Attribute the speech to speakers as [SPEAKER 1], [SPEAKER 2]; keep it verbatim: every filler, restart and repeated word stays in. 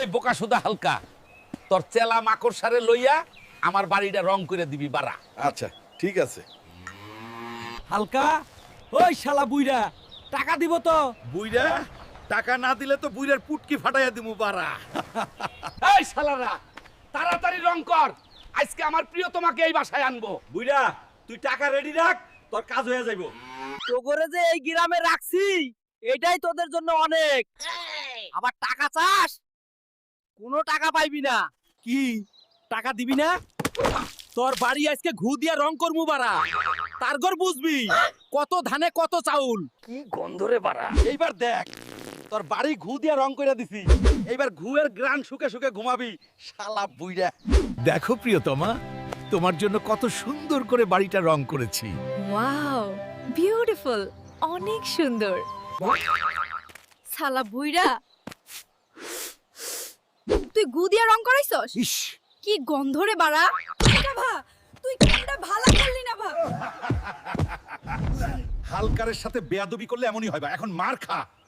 [SPEAKER 1] বোকা সুদা হালকা, তোর চেলা মাকড় সারে লইয়া আমার বাড়িটা রং করে দিবি বাড়া।
[SPEAKER 2] আচ্ছা ঠিক আছে।
[SPEAKER 3] হালকা, ওই শালা বুইরা টাকা দিব তো?
[SPEAKER 2] বুইরা টাকা না দিলে তো বুইরার পুটকি ফাটাইয়া দিমু বাড়া।
[SPEAKER 1] এই শালারা তাড়াতাড়ি রং কর, আজকে আমার প্রিয় তোমাকে এই বাসায় আনবো।
[SPEAKER 3] বুইরা তুই টাকা রেডি রাখ, তোর কাজ হয়ে যাইবো। তোগরে যে এই গ্রামে রাখছি এটাই তোদের জন্য অনেক। আবার টাকা চাস, কোনো টাকা পাইবি না। কি টাকা দিবি না? তোর বাড়ি আজকে ঘু দিয়া রং করমু বাড়া, তারগর বুঝবি কত ধানে কত চাউল।
[SPEAKER 1] কি গন্ধরে বাড়া।
[SPEAKER 2] এইবার দেখ তোর বাড়ি ঘু দিয়া রং কইরা দিছি, এইবার ঘুয়ের গ্রান শুকে শুকে ঘুমাবি শালা বুইরা।
[SPEAKER 4] দেখো প্রিয়তমা, তোমার জন্য কত সুন্দর করে বাড়িটা রং করেছি।
[SPEAKER 5] ওয়াও বিউটিফুল, অনেক সুন্দর। শালা বুইরা, তুই গু দিয়া রং করাইছস?
[SPEAKER 4] ইস,
[SPEAKER 5] কি গন্ধরে বাড়া। ভা তুই কোনটা ভালো করলি না ভা।
[SPEAKER 2] হালকারের সাথে বেয়াদবি করলে এমনই হয়, এখন মার খা।